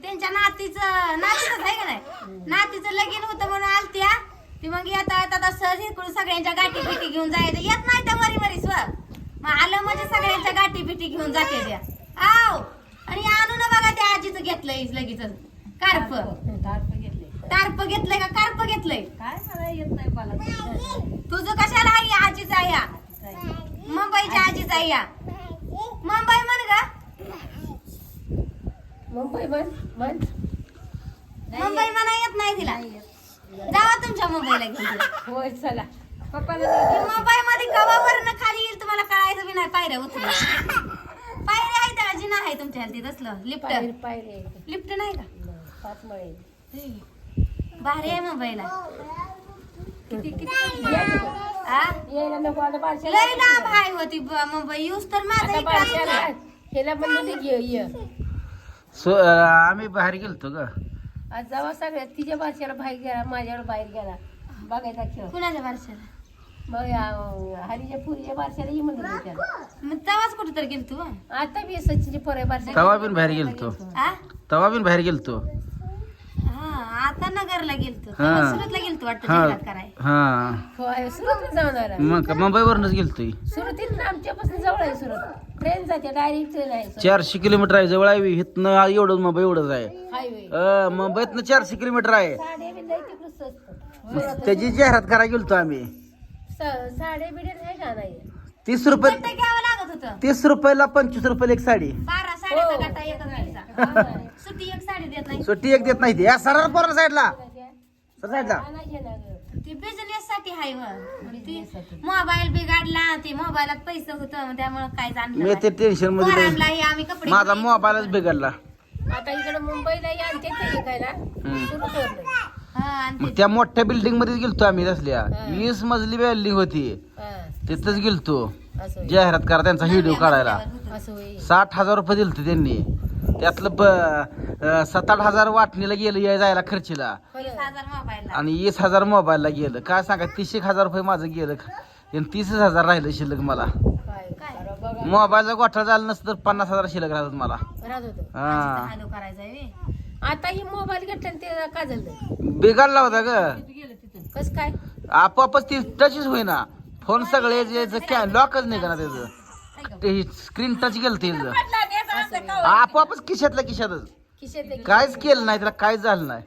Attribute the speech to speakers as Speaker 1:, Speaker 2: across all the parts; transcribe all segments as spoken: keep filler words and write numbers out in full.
Speaker 1: त्यांच्या नातीचं नातीच आहे का नाही नातीचं लगीन होतं म्हणून आलत्या ती मग येता येता सहज इकडून सगळ्यांच्या गाठी पिटी घेऊन जायचं येत नाही त्या वरी वरी स्व मग आलं म्हणजे सगळ्यांच्या गाठी पिटी घेऊन जाते त्या आव आणि आणून बघा त्या आजीचं घेतलंय लगेच कार्प कार्प घेतलंय का कार्प घेतलंय
Speaker 2: काय मला येत नाही मला
Speaker 1: तुझं कशाला आहे या आजीचा या मुंबईच्या आजीचा या मुंबई म्हण ग
Speaker 2: मुंबई म्हण म्हण
Speaker 1: मुंबई म्हणा येत नाही तिला जावा तुमच्या मुंबईला घेऊन
Speaker 2: होय चला पप्पाला
Speaker 1: मुंबई मध्ये कवावरनं खाली येईल तुम्हाला कळायचं बी नाही पायऱ्या उतरून पायऱ्या आहेत का जिना आहे तुमच्या ते तसलं लिफ्ट
Speaker 2: पायरी पायरी
Speaker 1: लिफ्ट नाही का
Speaker 2: पाच मळे
Speaker 1: भारी आहे मुंबईला
Speaker 2: किती किती
Speaker 1: आ
Speaker 2: यायला नको आता बारशाला
Speaker 1: लय लांब आहे होती ब- मुंबई यूज तर माझा
Speaker 2: आता
Speaker 1: इकडं
Speaker 2: बारशाला
Speaker 1: आहे.
Speaker 2: ह्याला म्हणलं ते ये ये
Speaker 3: सो आम्ही बाहेर गेलतो ग
Speaker 2: आज जेव्हा सगळ्या तिच्या बारशाला बाहेर गेला माझ्यावर बाहेर गेला बघायचा खेळ
Speaker 1: कुणाच्या वर्षाला
Speaker 2: मग अं, हरीच्या पुरीच्या बारशाला ये म्हणलं त्याला
Speaker 1: मग तेव्हाच कुठं तर गेल तू
Speaker 2: आता बी सचिनची पोरे बारशा
Speaker 3: तवा बिन बाहेर गेलतो
Speaker 1: आ
Speaker 3: तवा बिन बाहेर गेलतो
Speaker 1: हा आता नगरला गेलतो
Speaker 3: हा.
Speaker 1: तेव्हा सुरतला गेलतो वाटतं
Speaker 3: हा
Speaker 1: जाहिरात कराय
Speaker 3: हा
Speaker 2: होय सुरतला जाऊन आला
Speaker 3: मग का मुंबईवरूनच गेलतोय
Speaker 2: सुरतीत आमच्यापासून जवळ आहे सुरत ट्रेन जाते डायरेक्ट ट्रेन आहे सुरत.
Speaker 3: चारशे किलोमीटर आहे जवळ आहे इथनं एवढं मुंबई एवढंच आहे
Speaker 2: हायवे
Speaker 3: अं, मुंबईतनं चारशे किलोमीटर आहे
Speaker 2: साडे बी लई तिकडं स्वस्त
Speaker 3: मग त्याची जाहिरात करायला गेलतो आम्ही
Speaker 2: स- साडे बिडे नाही का नाही
Speaker 3: तीस रुपये
Speaker 1: गट्टा घ्यावं लागत होतं
Speaker 3: तीस रुपयाला पंचवीस रुपयाला एक साडी
Speaker 1: बारा साड्याचा
Speaker 2: हो.
Speaker 1: गट्टा एकच घ्यायचा सुट्टी एक साडी देत नाही
Speaker 3: सुट्टी एक देत नाही ती या सरळ पोरा साईडला सर साईडला
Speaker 2: आणायचे ना गं.
Speaker 1: ती बिझनेस साठी हाय व ती मोबाईल बिघडला ती मोबाईलात पैसे होतं त्यामुळे काय
Speaker 3: मी
Speaker 1: जाणलं
Speaker 3: ते टेन्शन मध्ये
Speaker 1: पोरांनाही आम्ही कपडे
Speaker 3: माझा मोबाईलच बिघडला
Speaker 2: आता इकडे मुंबईला या आणि ते विकायला सुरू ठेवलं
Speaker 1: हा, आणि
Speaker 3: मग
Speaker 1: ते-
Speaker 3: त्या मोठ्या बिल्डिंग मध्ये गेलतो आम्ही तसल्या वीस मजली बिल्डिंग होती
Speaker 2: हा,
Speaker 3: तिथंच गेलतो
Speaker 2: असं होय.
Speaker 3: जाहिरात करा त्यांचा व्हिडिओ काढायला
Speaker 2: असं होय.
Speaker 3: साठ हजार रुपये दिलते त्यांनी त्यातलं ब अं, सात आठ हजार वाटणीला गेलं या जायला खर्चीला
Speaker 1: वीस हजार मोबाईलला
Speaker 3: आणि वीस हजार मोबाईलला गेलं काय सांगा तीस एक हजार रुपये माझं गेलं आणि तीसच हजार राहिलं शिल्लक मला
Speaker 2: काय करा बघा
Speaker 3: मोबाईलचा गोठा झाला नसतं तर पन्नास हजार शिल्लक राहतात मला
Speaker 2: राहत होतं
Speaker 3: हा
Speaker 1: हॅलो करायचा आहे
Speaker 2: आता ही मोबाईल घेतला आणि ते काय झालं
Speaker 3: बिघडला होता ग
Speaker 2: कस काय
Speaker 3: आपोआपच ती टचच होईना फोन सगळे जे लॉकच नाही का त्याचं स्क्रीन टच गेलं त्याचं आपोआपच खिशातल्या खिशातच
Speaker 2: खिशात एक-
Speaker 3: काहीच केलं नाही त्याला काहीच झालं नाही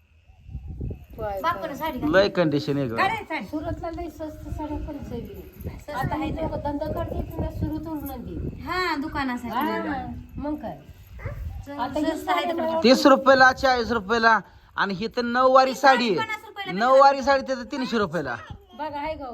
Speaker 2: काय-
Speaker 1: बापून साडी घाल.
Speaker 3: लय कंडिशन आहे ग
Speaker 2: सुरतला लई स्वस्त साड्या पण सगळी आता हे लोक धंदा करते ना सुरतून नदी
Speaker 1: हा दुकानासाठी
Speaker 2: मग काय आता ही
Speaker 1: स्वस्त आहे तिकडं.
Speaker 3: तीस रुपयाला चाळीस रुपयाला आणि ही तर नऊवारी साडी
Speaker 1: पन्नास रुपयाला
Speaker 3: नऊवारी साडी त्याचं तीनशे रुपयाला
Speaker 2: बघा हाय गाऊ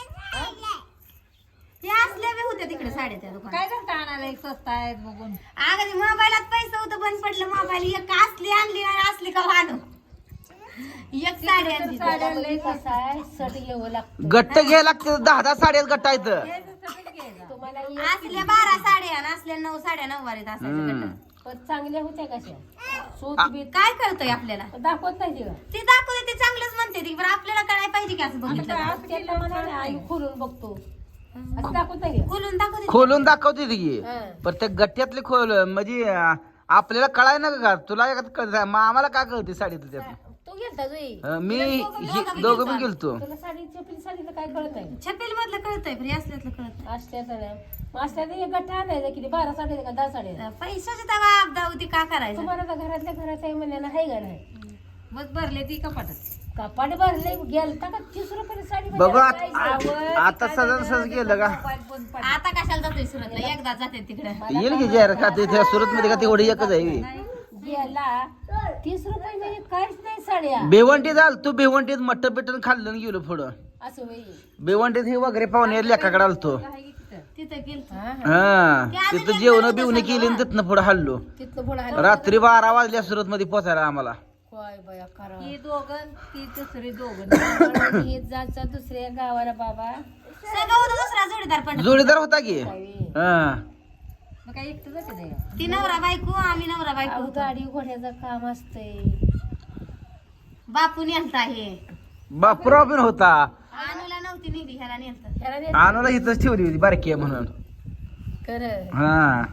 Speaker 1: ते असल्या बी होत्या तिकडे साड्या त्या दुकानात
Speaker 2: काय करता आणायला एक स्वस्त आहेत बघून
Speaker 1: अगं ते मोबाईलात पैसे होतं बंद पडलं मोबाईल एक असली आणली आणि असली का वाढू एक साडी आणली
Speaker 2: साड्या लई कसं आहे सट घ्यावं लागतं
Speaker 3: गट्ट घ्यायला लागते दहा दहा साड्या गट्ट आहेत
Speaker 2: तुम्हाला एक-
Speaker 1: असल्या बारा साड्या आणि असल्या नऊ साड्या नऊवारीत असायच्या
Speaker 3: हम्म.
Speaker 1: गट्ट.
Speaker 2: पण चांगल्या होत्या कशा सूत बीत
Speaker 1: काय कळतंय आपल्याला
Speaker 2: दाखवत नाही तिला
Speaker 1: ते दाखवते ते चांगलंच म्हणते ती पण आपल्याला कळायला पाहिजे की असं बघितलं तर.
Speaker 2: त्याला म्हणाले आई खोलून बघतो असं दाखवत नाही का?
Speaker 1: खोलून दाखवते
Speaker 3: खोलून दाखवते ती की
Speaker 2: हा.
Speaker 3: पण त्या गट्ट्यातले खोल म्हणजे अं, आपल्याला कळाय ना का तुला एखादं कळत मग आम्हाला काय कळते साडीतलं त्यात
Speaker 2: तू गेलता जुई
Speaker 3: अं, मी ही- दोघं पण गेलतो
Speaker 2: तुला साडी चपली साडीचं काय कळत नाही
Speaker 1: छपेल मधलं कळतंय पण हे असल्यातलं कळत
Speaker 2: असल्याचं नाही मग असल्याचं एक गठ्ठा आणायचा किती बारा साडे का दहा साडे
Speaker 1: नाही पैशाची तवा आपदा होती का करायचं
Speaker 2: तुम्हाला तर घरातल्या घरात आहे म्हणल्यानं आहे का नाही
Speaker 1: बस भरले ती कपाटात
Speaker 2: कपाट भरले गेलता का तीस रुपये साडी
Speaker 3: बघू
Speaker 2: म्हणजे
Speaker 3: आत-
Speaker 2: काय आवड,
Speaker 3: आता
Speaker 2: काय
Speaker 3: सजन सहज गेलं का
Speaker 1: आता कशाला जातोय सुरतला एकदा जाते तिकडे
Speaker 3: येईल की जाहिरात का ते त्या सुरत मध्ये का तेवढी एकच आहे
Speaker 2: गेला तीस रुपये म्हणजे काहीच नाही साड्या
Speaker 3: भिवंडीत आल तू भिवंडीत मटन पिटन खाल्लं आणि गेलो पुढं
Speaker 2: असं होई
Speaker 3: भिवंडीत हे वगैरे पाहुणे लेखाकडे आलतो
Speaker 1: तिथं गेलतो
Speaker 3: हा तिथं जेवण बिवणं केली आणि तिथनं पुढे हल्लो
Speaker 2: तिथनं पुढे आलं
Speaker 3: रात्री बारा वाजल्या सुरत मध्ये पोचायला आम्हाला
Speaker 2: काय बया करा
Speaker 1: ही दोघं ती दुसरी दोघं
Speaker 2: हे जायचा दुसऱ्या गावाला बाबा
Speaker 1: सगळं होतं दुसरा जोडीदार पण
Speaker 3: जोडीदार होता की
Speaker 2: काय
Speaker 3: हा
Speaker 2: मग काय एकटं जाते
Speaker 1: ती नवरा बायको आम्ही नवरा बायको
Speaker 2: अहो
Speaker 1: होतो.
Speaker 2: गाडी घोड्याचं काम असतंय
Speaker 1: बापू नेलता हे
Speaker 3: बापराव पण होता
Speaker 1: अनुला नव्हती निघली ह्याला नेलत
Speaker 2: ह्याला नाही
Speaker 3: आणूला इथंच ठेवली होती बारकी आहे म्हणून
Speaker 2: खरं
Speaker 3: हा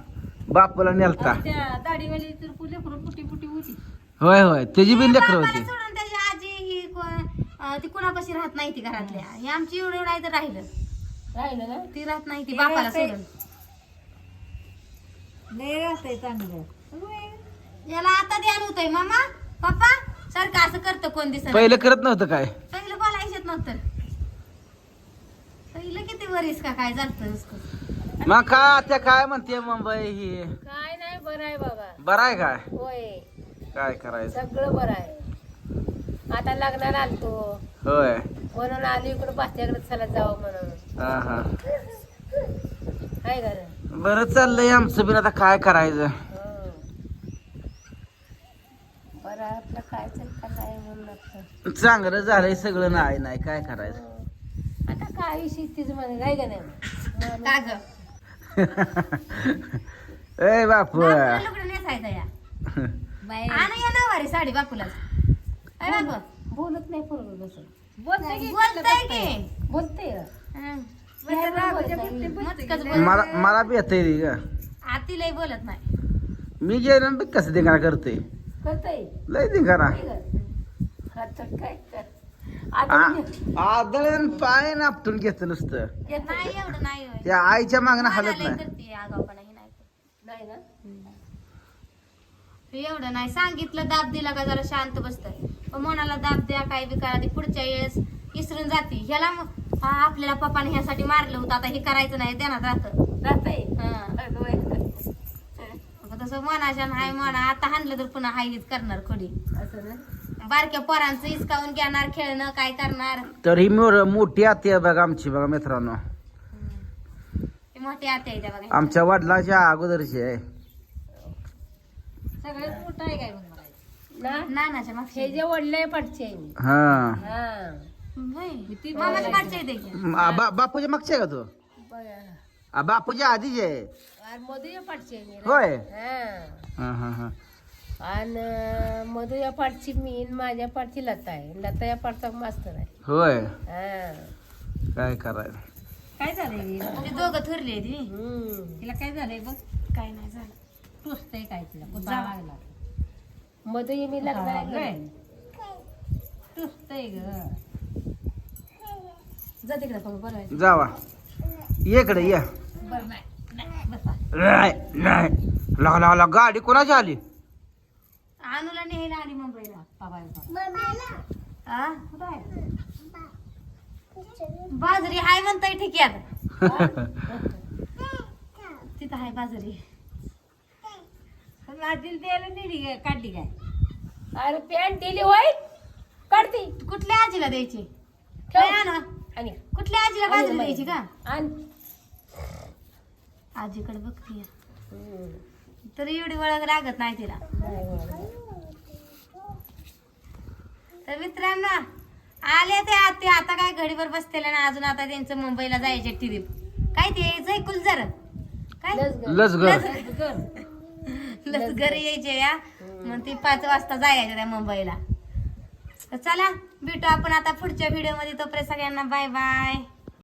Speaker 3: बापूला नेलता
Speaker 2: त्या दाढीवाली तर फुले फुलं फुटी फुटी होती.
Speaker 3: होय होय त्याची बी लेकर
Speaker 1: बापाला
Speaker 3: होती.
Speaker 1: सोडून त्याची आजी ही कोण- अं, ती कुणापाशी राहत नाही ती घरातल्या ही आमची एवढं एवढं आहे तर राहिलं
Speaker 2: राहिलं ना
Speaker 1: ती राहत नाही ती बापाला सोडून याला आता ध्यान होतंय मामा पप्पा सारखं असं करतं कोण दिसत
Speaker 3: पहिलं करत नव्हतं काय.
Speaker 1: पहिलं बोलायचं येत नव्हतं पहिलं किती वरीस का काय झालं
Speaker 3: मग का त्या काय म्हणते मुंबई ही
Speaker 2: काय नाही बरं आहे बाबा.
Speaker 3: बरं आहे काय
Speaker 2: होय
Speaker 3: काय करायचं.
Speaker 2: सगळं बरं आहे. आता लग्नाला आलतो
Speaker 3: होय
Speaker 2: म्हणून आली इकडं बाच्याकडे चला जावं म्हणून.
Speaker 3: हा हा
Speaker 2: काय करा
Speaker 3: बरं चाललंय आमचं बिन आता काय करायचं.
Speaker 2: बरं आहे आपलं काय का नाही म्हणून आपलं.
Speaker 3: चांगलं झालंय सगळं नाही नाही काय करायचं.
Speaker 2: आता काय शेतीच म्हणे काय का नाही
Speaker 1: का ग
Speaker 3: ए बापू
Speaker 1: बापूला लुगडं नेसायचं या आणि या नऊवारी साडी बापूलाच काय बापू
Speaker 2: बोलत नाही पोरगं कसं
Speaker 1: बोलताय की
Speaker 2: बोलते
Speaker 1: हं.
Speaker 2: बोलत
Speaker 3: मला मला बी येतंय रे ग.
Speaker 1: आती लय बोलत नाही
Speaker 3: मी गेलो बी कसं धिंगाणा करते
Speaker 2: करताय
Speaker 3: लय धिंगाणा.
Speaker 2: आता काय कर आता
Speaker 3: आदळण पाय नापटून घेतं नुसतं.
Speaker 1: नाही एवढं नाही होय.
Speaker 3: त्या आईच्या मागणं
Speaker 1: मला
Speaker 3: हालत
Speaker 1: लय
Speaker 3: नाही.
Speaker 1: करते आगाऊपणा ही नाही करत.
Speaker 2: नाही ना
Speaker 1: एवढं नाही सांगितलं दाब दिला का जरा शांत बसतंय पण मनाला दाब द्या काय बी करा ती पुढच्या वेळेस विसरून जाते ह्याला मग, हा, आपल्याला पप्पाने ह्यासाठी मारलं होतं आता हे करायचं नाही ध्यानात राहतं
Speaker 2: राहताय
Speaker 1: हं. तसं मनाच्या नाही म्हणा आता हाणलं तर पुन्हा हाय हीच करणार खोडी
Speaker 2: असं ना.
Speaker 1: बारक्या पोरांचं हिसकावून घेणार खेळणं काय करणार
Speaker 3: तर ही मोर मोठी आती आहे बघा आमची बघा मित्रांनो.
Speaker 1: ती मोठी आते आहे त्या बघा
Speaker 3: आमच्या वडिलांच्या अगोदरची आहे.
Speaker 2: सगळ्यात मोठं आहे काय मग मला ना
Speaker 1: नानाच्या मागच्या
Speaker 2: हे जे वडले पडचे आहे मी.
Speaker 3: हा
Speaker 2: हा
Speaker 1: होय. मामाच्या काढच्या येते की
Speaker 3: आ, बा- बापूच्या मागची आहे का तू
Speaker 2: बघा.
Speaker 3: आ, बापूच्या आधीची आहे
Speaker 2: आणि मधुया पाठची आहे मी रे.
Speaker 3: होय
Speaker 2: हा
Speaker 3: हा हा हा
Speaker 2: आणि मधुया पाठची मी आणि माझ्या पाठची लता आहे लता या पाठचा मास्तर आहे.
Speaker 3: होय
Speaker 2: हा
Speaker 3: काय करायचं.
Speaker 2: काय झालंय
Speaker 1: ते दोघं थुरली आहे ती
Speaker 2: हम्म तिला काय झालंय बघ
Speaker 1: काय नाही झालं
Speaker 2: टोचतंय काय तिला कुत्रा लागला मधुया मी लागलाय टोचतंय ग
Speaker 1: जा तिकडे बघ बरं
Speaker 3: जावा ये इकडे ये.
Speaker 2: बरं नाही नाही बसा
Speaker 3: नाही नाही लगा लगा लगा गाडी कोणाची आली.
Speaker 1: अनुला नेहला आली मुंबईला
Speaker 2: बाबा
Speaker 1: आ? कुठं आहे? बाजरी हाय म्हणताय ठिक्यात तिथं हाय बाजरी
Speaker 2: दिल द्यायला नेली काय काढली काय अरे पॅन्ट दिली होय काढती
Speaker 1: कुठल्या आजीला द्यायची
Speaker 2: ठेव.
Speaker 1: काय आणा?
Speaker 2: आणि
Speaker 1: कुठल्या आजीला बाजरी द्यायची का
Speaker 2: आण
Speaker 1: आजीकडे बघतीय
Speaker 2: हम्म.
Speaker 1: तरी एवढी वळख लागत नाही तिला
Speaker 2: नाही बरं.
Speaker 1: तर मित्रांनो आले ते आते आता काय घडीवर बसतेले ना अजून आता त्यांचं मुंबईला जायचे ट्रिप काय ते यायचंय कुलजर काय
Speaker 2: लसगर.
Speaker 3: लसगर
Speaker 2: लसगर.
Speaker 1: लस घरी यायचे या मग ती पाच वाजता जायचे त्या मुंबईला तर चला भेटू आपण आता पुढच्या व्हिडिओ मध्ये तोपर्यंत सगळ्यांना बाय बाय.